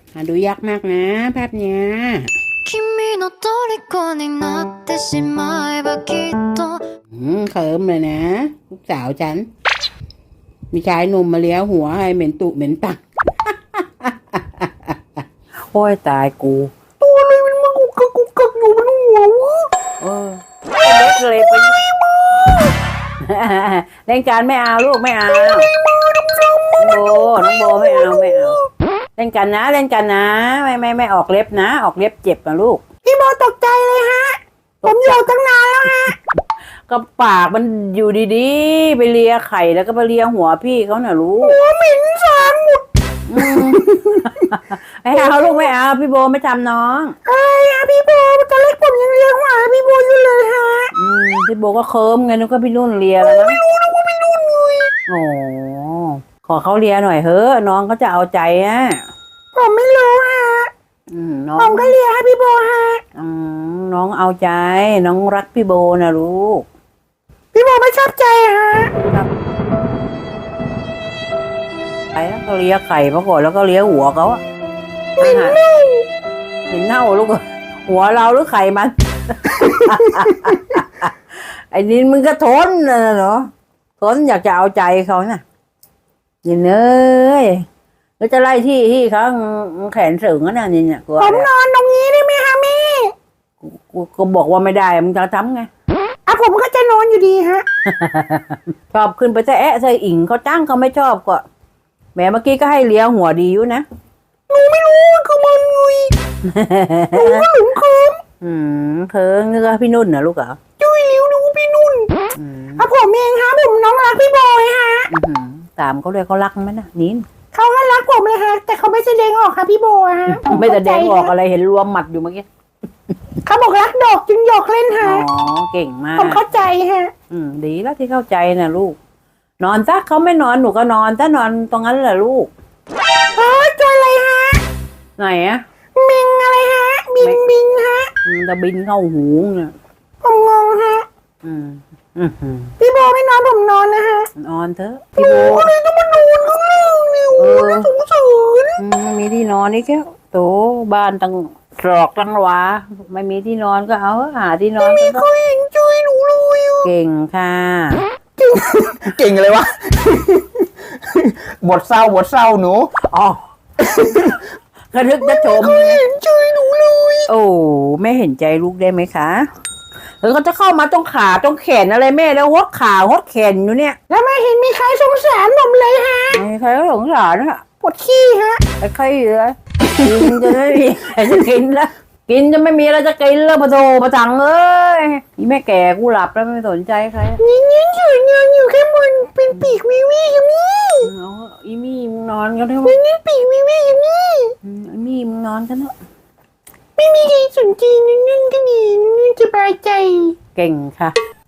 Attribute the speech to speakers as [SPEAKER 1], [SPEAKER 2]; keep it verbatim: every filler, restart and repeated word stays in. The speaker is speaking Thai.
[SPEAKER 1] หาดูยากมากนะภาพเนี้ย
[SPEAKER 2] 君の虜になってしまえばきっと
[SPEAKER 1] อืมเขิมเลยนะลูกสาวฉันมีชายหนุ่มมาเลี้ยวหัวให้เหม็นตุเหม็นตักโอ้ยตายกูตัวอะไรมันมากุกกักกุกกักอยู่บนหัววะเออเล็กเลยไปเล่นการไม่เอาลูกไม่เอาน้องโบน้องโบไม่เอาไม่เอาเล่นกันนะเล่นกันนะไม่ไม่ไม่ออกเล็บนะออกเล็บเจ็บนะลูกพี่โบตกใจเลยฮะผมอยู่ตั้งนานแล้วฮะก็ปากมันอยู่ดีๆไปเลียไข่แล้วก็ไปเลียหัวพี่เขาหน่ะลูกหัวเหม็นสามหมดไม่เอาลูกไม่เอาพี่โบไม่ทำน้องเอ้ยพี่โบตอนแรกผมยังเลียหัวพี่โบอยู่เลยฮะอืมพี่โบก็เคิมไงนึกว่าพี่นุ่นเลียแล้วนะไม่รู้นะว่าพี่นุ่นเลยโอ้ขอเขาเลียหน่อยเฮ้อน้องเขาจะเอาใจอ่ะผมไม่รู้ฮะผมก็เลียให้พี่โบฮะน้องเอาใจน้องรักพี่โบนะลูกพี่โบไม่ชอบใจฮะไอ้แล้วก็เลียไข่มาก่อนแล้วก็เลียหัวเขาอะเหม็นเน่าเหม็นเน่าลูกหัวเราหรือไข่มัน ไอ้นี่มึงก็ทนนะเนาะทนอยากจะเอาใจเขาน่ะยินเอ้ยแล้วจะไล่ที่ที่เขาแขนสึงนั่นนี่เนี่ยผมนอนตรงนี้ได้ไหมฮะแม่กูก็บอกว่าไม่ได้มึงจะทำไงอ่ะผมก็จะนอนอยู่ดีฮะ ชอบขึ้นไปแต่แอะใส่อิงเขาจ้างเขาไม่ชอบก็แม่เมื่อกี้ก็ให้เลี้ยหัวดีอยู่นะหนูไม่รู้คือมันไงหนูหลุมเคิมอืมเคิมนึกว่าพี่นุ่นนะลูกเหรอจุ้ยเลี้ยวนึกว่าพี่นุ่นอ่ะผมเองฮะผมน้องรักพี่บอยฮะตามเขาเลยเขารักไหมนะนิ้นเขาก็รักผมเลยฮะแต่เขาไม่แสดงออกค่ะพี่โบฮะไม่แสดงออกอะไรเห็นรวมหมัดอยู่เมื่อกี้เขาบอกรักดอกจึงหยอกเล่นฮะอ๋อเก่งมากผมเข้าใจฮะอืมดีแล้วที่เข้าใจนะลูกนอนซะเขาไม่นอนหนูก็นอนถ้านอนตรงนั้นแหละลูกเฮ้ยตัวอะไรฮะไหนอะมิงอะไรฮะบินบินฮะจะบินเข้าหูเนี่ยผมงงฮะอืมพี่โบไม่นอนผมนอนนะฮะนอนเถอะพี่โบอะไรต้องมานอนข้างล่างเนี่ยโอ้ยสงสารมีที่นอนนี่แค่โตบ้านตั้งตรอกตั้งหวาไม่มีที่นอนก็เอาหาที่นอนไม่มีใครเห็นใจหนูเลยเก่งค่ะเก่งเก่งเลยวะบทเศร้าบทเศร้าหนูอ๋อกระทึกจะชมไม่เห็นใจหนูเลยโอ้ไม่เห็นใจลูกได้ไหมคะหรือเขาจะเข้ามาตรงขาตรงแขนอะไรแม่แล้วหดขาหดแขนอยู่เนี่ยแล้วไม่เห็นมีใครสงสารผมเลยฮะไม่ใครสงสารฮะปวดขี้ฮะไอ้ใครเลยกินจะไม่มีใครจะกินแล้วกินจะไม่มีอะไรจะกินแล้วปะโถปะจังเอ้ยอีแม่แก่กูหลับแล้วไม่สนใจใครนี่นี่เฉยงานอยู่แค่บนเป็นปีกวิวี่ยังนี่อีมี่มึงนอนกันเถอะนี่ปีกวิวี่ยังนี่อีมี่มึงนอนกันเถอะไม่มีใครสนใจนั่นก็ดีนั่นสบายใจเก่งค่ะ